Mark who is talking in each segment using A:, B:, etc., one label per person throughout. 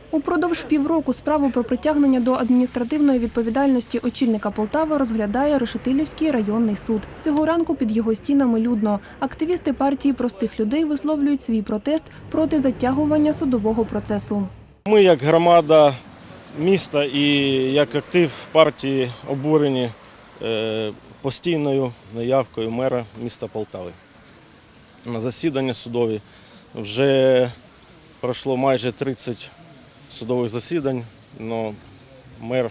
A: Упродовж півроку справу про притягнення до адміністративної відповідальності очільника Полтави розглядає Решетилівський районний суд. Цього ранку під його стінами людно. Активісти партії простих людей висловлюють свій протест проти затягування судового процесу.
B: Ми, як громада міста і як актив партії, обурені постійною неявкою мера міста Полтави. На засідання судові вже пройшло майже 30 судових засідань, але мер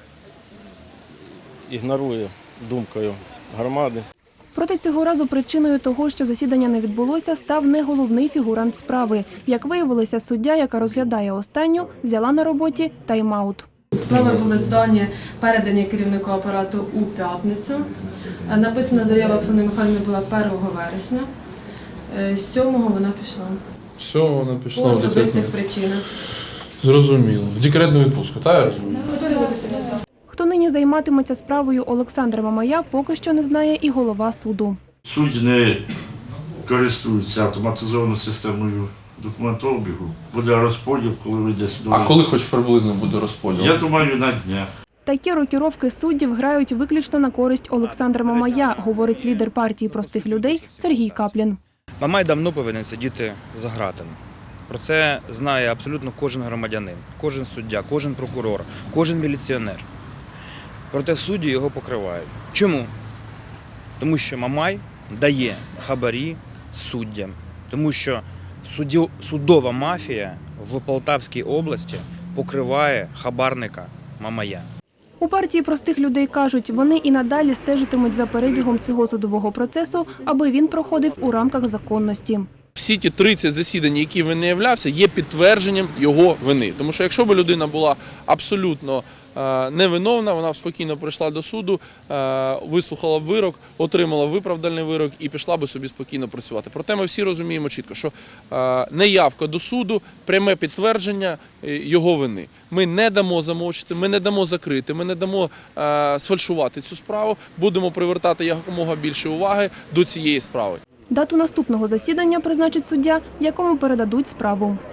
B: ігнорує думкою громади.
A: Проте цього разу причиною того, що засідання не відбулося, став не головний фігурант справи. Як виявилося, суддя, яка розглядає останню, взяла на роботі тайм-аут.
C: Справи були здані, передані керівнику апарату у п'ятницю. Написана заява Оксани Михайлівни була 1 вересня. З 7-го вона пішла.
D: Все, вона пішла
C: По
D: в
C: особистих
D: декретну.
C: причинах.
D: Зрозуміло. В декретну відпустку, так я розумію?
A: Хто нині займатиметься справою Олександра Мамая, поки що не знає і голова суду.
E: Судді не користуються автоматизованою системою документообігу. Буде розподіл, коли вийде судовий.
D: А коли хоч приблизно буде розподіл?
E: Я думаю, на днях.
A: Такі рокіровки суддів грають виключно на користь Олександра Мамая, говорить лідер партії простих людей Сергій Каплін.
F: Мамай давно повинен сидіти за ґратами. Про це знає абсолютно кожен громадянин, кожен суддя, кожен прокурор, кожен міліціонер. Проте судді його покривають. Чому? Тому що Мамай дає хабарі суддям. Тому що судова мафія в Полтавській області покриває хабарника Мамая.
A: У партії простих людей кажуть, вони і надалі стежитимуть за перебігом цього судового процесу, аби він проходив у рамках законності.
D: Всі ті 30 засідань, які він не являвся, є підтвердженням його вини. Тому що якщо б людина була абсолютно невиновна, вона б спокійно прийшла до суду, вислухала б вирок, отримала виправдальний вирок і пішла б собі спокійно працювати. Проте ми всі розуміємо чітко, що неявка до суду – пряме підтвердження його вини. Ми не дамо замовчити, ми не дамо закрити, ми не дамо сфальшувати цю справу, будемо привертати якомога більше уваги до цієї справи.
A: Дату наступного засідання призначить суддя, якому передадуть справу.